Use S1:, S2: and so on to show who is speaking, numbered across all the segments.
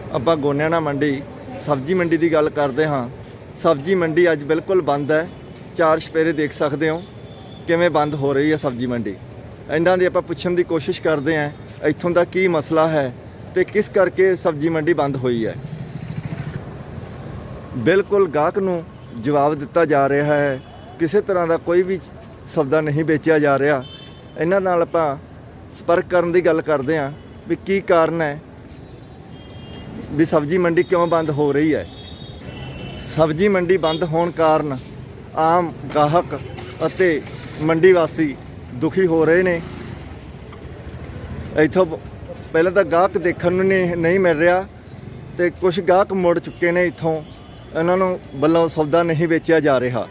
S1: ਆਪਾਂ ਗੋਨਿਆਣਾ ਮੰਡੀ सब्जी मंडी की गल करते हाँ। सब्जी मंडी अज बिल्कुल बंद है। चार छपेरे देख सकते हो किवें बंद हो रही है सब्जी मंडी। इन्हां दी आपां पुछण दी कोशिश करते हैं इत्थों दा की मसला है तो किस करके सब्जी मंडी बंद हुई है। बिल्कुल गाहक नूं जवाब दिता जा रहा है, किसी तरह का कोई भी सौदा नहीं बेचा जा रहा। इन्हां नाल आपां संपर्क करन दी गल करते हैं भी की कारण है भी सब्जी मंडी क्यों बंद हो रही है। सब्जी मंडी बंद होने कारण आम गाहक अते मंडी वासी दुखी हो रहे ने। इत्थों पहले तो गाहक देखने नूं नहीं मिल रहा तो कुछ गाहक मुड़ चुके ने। इत्थों इन्हों वालों सौदा नहीं बेचा जा रहा।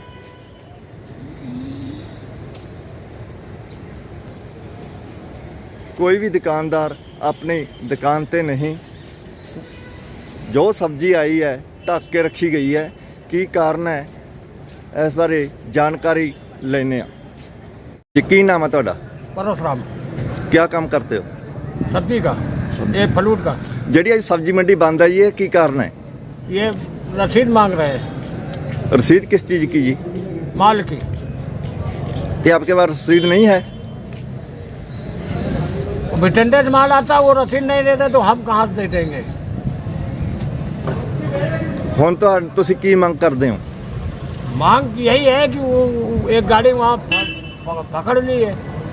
S1: कोई भी दुकानदार अपनी दुकान ते नहीं, जो सब्जी आई है ढक के रखी गई है। की कारण है इस बारे जानकारी लेने। की नाम है तुहाडा?
S2: परशुराम।
S1: क्या काम करते हो?
S2: सब्जी का, ये फ्लूट का।
S1: जी आज सब्जी मंडी बंद है, ये की कारण है?
S2: ये रसीद मांग रहे हैं।
S1: रसीद किस चीज़ की जी?
S2: माल की।
S1: ये आपके पास रसीद नहीं है?
S2: टेंडर माल आता वो रसीद नहीं देते तो हम कहाँ से दे देंगे।
S1: हुण तुसीं की मांग करते हो?
S2: मांग यही है कि वो एक गाड़ी वहाँ पकड़ ली है,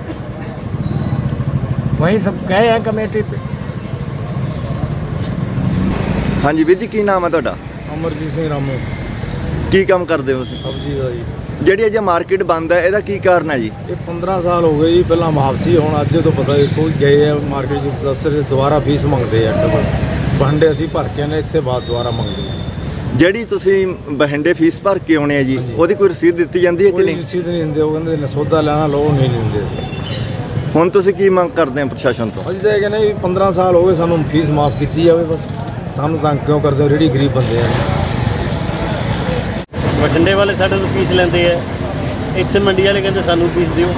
S2: वही सब गए हैं कमेटी पे।
S1: हाँ जी वीर जी, की नाम है तुहाडा?
S3: अमरजीत सिंह रामू।
S1: की काम करते हो तुसीं?
S3: सब्जी का जी।
S1: ਜਿਹੜੀ ਅੱਜ ਮਾਰਕੀਟ ਬੰਦ ਹੈ ਇਹਦਾ ਕੀ ਕਾਰਨ ਹੈ ਜੀ?
S3: ये 15 साल हो गए जी, पहला वापसी ਹੁਣ ਅੱਜ ਤੋਂ ਪਤਾ ਕੋਈ ਗਏ ਆ ਮਾਰਕੀਟ ਚ ਦਫ਼ਤਰ ਚ ਦੁਬਾਰਾ ਫੀਸ ਮੰਗਦੇ ਆ ਡਬਲ ਬਹੰਡੇ ਅਸੀਂ ਭਰ ਕੇ ਨੇ ਇਸੇ ਬਾਅਦ ਦੁਬਾਰਾ ਮੰਗਦੇ ਆ।
S1: ਜਿਹੜੀ ਤੁਸੀਂ ਬਹਿੰਡੇ ਫੀਸ ਭਰ ਕੇ ਆਉਣੇ ਆ ਜੀ ਉਹਦੀ ਕੋਈ ਰਸੀਦ ਦਿੱਤੀ ਜਾਂਦੀ ਹੈ ਕਿ
S3: ਕੋਈ
S1: ਨਹੀਂ?
S3: ਰਸੀਦ ਨਹੀਂ ਦਿੰਦੇ, ਉਹ ਕਹਿੰਦੇ ਨੇ ਸੌਦਾ ਲੈਣਾ ਲਓ, ਨਹੀਂ ਦਿੰਦੇ।
S1: ਹੁਣ ਤੁਸੀਂ ਕੀ ਮੰਗ ਕਰਦੇ ਆ ਪ੍ਰਸ਼ਾਸਨ ਤੋਂ?
S3: ਅਸੀਂ ਤਾਂ ਇਹ ਕਹਿੰਦੇ ਵੀ 15 ਸਾਲ ਹੋ ਗਏ ਸਾਨੂੰ ਫੀਸ ਮਾਫ ਕੀਤੀ ਜਾਵੇ ਬਸ। ਸਾਨੂੰ ਤੰਗ ਕਿਉਂ ਕਰਦੇ ਹੋ, ਜਿਹੜੀ ਗਰੀਬ ਬੰਦੇ ਆ।
S4: ਬਠਿੰਡੇ ਵਾਲੇ ਸਾਡੇ ਤੋਂ ਫੀਸ ਲੈਂਦੇ ਆ, ਇੱਥੇ ਮੰਡੀ ਵਾਲੇ ਕਹਿੰਦੇ ਸਾਨੂੰ ਫੀਸ ਦਿਓ।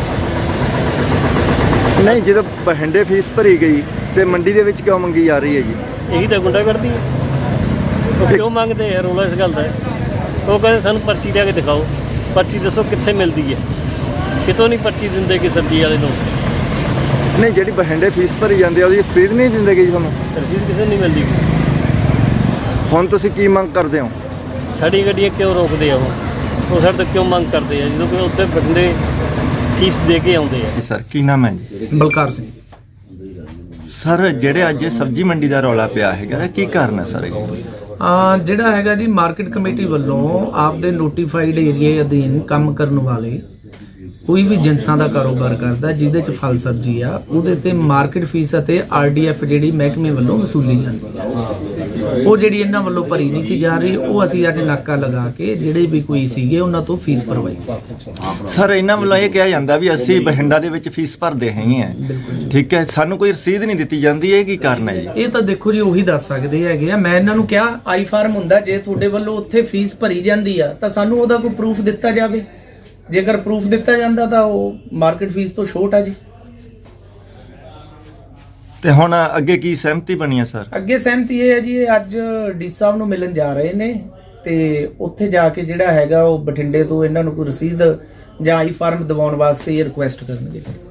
S1: ਨਹੀਂ, ਜਦੋਂ ਬਹਿੰਡੇ ਫੀਸ ਭਰੀ ਗਈ ਤੇ ਮੰਡੀ ਦੇ ਵਿੱਚ ਕਿਉਂ ਮੰਗੀ ਜਾ ਰਹੀ ਹੈ ਜੀ?
S4: ਇਹੀ ਤਾਂ ਗੁੰਡਾਗਰਦੀ ਹੈ। ਉਹ ਕਿਉਂ ਮੰਗਦੇ ਆ? ਰੌਲਾ ਇਸ ਗੱਲ ਦਾ ਹੈ। ਉਹ ਕਹਿੰਦੇ ਸਾਨੂੰ ਪਰਚੀ ਲਿਆ ਕੇ ਦਿਖਾਓ। ਪਰਚੀ ਦੱਸੋ ਕਿੱਥੇ ਮਿਲਦੀ ਹੈ? ਕਿਤੋਂ ਨਹੀਂ ਪਰਚੀ ਦਿੰਦੇ ਕਿ ਸਬਜ਼ੀ ਵਾਲੇ ਨੂੰ।
S1: ਨਹੀਂ, ਜਿਹੜੀ ਬਹਿੰਡੇ ਫੀਸ ਭਰੀ ਜਾਂਦੀ ਆ ਉਹਦੀ ਰਸੀਦ ਨਹੀਂ ਦਿੰਦੇ ਜੀ ਤੁਹਾਨੂੰ?
S4: ਰਸੀਦ ਕਿਸੇ ਨੂੰ ਨਹੀਂ ਮਿਲਦੀ।
S1: ਹੁਣ ਤੁਸੀਂ ਕੀ ਮੰਗ ਕਰਦੇ ਹੋ?
S4: ਸਾਡੀ ਗੱਡੀਆਂ ਕਿਉਂ ਰੋਕਦੇ ਆ? ਉਹ ਸਾਡੇ ਤੋਂ ਕਿਉਂ ਮੰਗ ਕਰਦੇ ਆ ਜਦੋਂ ਕਿ ਉੱਥੇ ਬਠਿੰਡੇ ਫੀਸ ਦੇ ਕੇ ਆਉਂਦੇ ਆ।
S1: ਸਰ ਕੀ ਨਾਮ ਹੈ ਜੀ?
S5: ਬਲਕਾਰ ਸਿੰਘ।
S1: ਸਰ ਜਿਹੜੇ ਅੱਜ ਸਬਜ਼ੀ ਮੰਡੀ ਦਾ ਰੌਲਾ ਪਿਆ ਹੈਗਾ ਕੀ ਕਾਰਨ ਹੈ ਸਰ?
S5: ਜਿਹੜਾ ਹੈਗਾ ਜੀ ਮਾਰਕੀਟ ਕਮੇਟੀ ਵੱਲੋਂ ਆਪਦੇ ਨੋਟੀਫਾਈਡ ਏਰੀਆ ਅਧੀਨ ਕੰਮ ਕਰਨ ਵਾਲੇ ਕੋਈ ਵੀ ਜਿੰਸਾਂ ਦਾ ਕਾਰੋਬਾਰ ਕਰਦਾ ਜਿਹਦੇ ਚ ਫਲ ਸਬਜ਼ੀ ਆ ਉਹਦੇ ਤੇ ਮਾਰਕੀਟ ਫੀਸ ਅਤੇ ਆਰਡੀਐਫ ਜਿਹੜੀ ਮਹਿਕਮੇ ਵੱਲੋਂ ਵਸੂਲੀ ਜਾਂਦੀ ਹੈ, ਉਹ ਜਿਹੜੀ ਇਹਨਾਂ ਵੱਲੋਂ ਭਰੀ ਨਹੀਂ ਸੀ ਜਾ ਰਹੀ, ਉਹ ਅਸੀਂ ਅੱਜ ਨਾਕਾ ਲਗਾ ਕੇ ਜਿਹੜੇ ਵੀ ਕੋਈ ਸੀਗੇ ਉਹਨਾਂ ਤੋਂ ਫੀਸ ਭਰਵਾਈ।
S1: ਸਰ ਇਹਨਾਂ ਵੱਲੋਂ ਇਹ ਕਿਹਾ ਜਾਂਦਾ ਵੀ ਅਸੀਂ ਬਠਿੰਡਾ ਦੇ ਵਿੱਚ ਫੀਸ ਭਰਦੇ ਹੈਗੇ ਆ, ਠੀਕ ਹੈ, ਸਾਨੂੰ ਕੋਈ ਰਸੀਦ ਨਹੀਂ ਦਿੱਤੀ ਜਾਂਦੀ, ਇਹ ਕੀ ਕਾਰਨ ਹੈ ਜੀ?
S5: ਇਹ ਤਾਂ ਦੇਖੋ ਜੀ ਉਹੀ ਦੱਸ ਸਕਦੇ ਹੈਗੇ ਆ। ਮੈਂ ਇਹਨਾਂ ਨੂੰ ਕਿਹਾ ਆਈ ਫਾਰਮ ਹੁੰਦਾ, ਜੇ ਤੁਹਾਡੇ ਵੱਲੋਂ ਉੱਥੇ ਫੀਸ ਭਰੀ ਜਾਂਦੀ ਆ ਤਾਂ ਸਾਨੂੰ ਉਹਦਾ ਕੋਈ ਪ੍ਰੂਫ ਦਿੱਤਾ ਜਾਵੇ। ਜੇਕਰ ਪ੍ਰੂਫ ਦਿੱਤਾ ਜਾਂਦਾ ਤਾਂ ਉਹ ਮਾਰਕੀਟ ਫੀਸ ਤੋਂ ਛੋਟ ਆ ਜੀ।
S1: ਤੇ ਹੁਣ ਅੱਗੇ ਕੀ ਸਹਿਮਤੀ ਬਣੀ ਹੈ ਸਰ?
S5: ਅੱਗੇ ਸਹਿਮਤੀ ਇਹ ਹੈ ਜੀ, ਇਹ ਅੱਜ ਡੀ ਸਾਹਿਬ ਨੂੰ ਮਿਲਣ ਜਾ ਰਹੇ ਨੇ ਤੇ ਉੱਥੇ ਜਾ ਕੇ ਜਿਹੜਾ ਹੈਗਾ ਉਹ ਬਠਿੰਡੇ ਤੋਂ ਇਹਨਾਂ ਨੂੰ ਕੋਈ ਰਸੀਦ ਜਾਂ ਆਈ ਫਾਰਮ ਦਿਵਾਉਣ ਵਾਸਤੇ ਇਹ ਰਿਕੁਐਸਟ ਕਰਨਗੇ।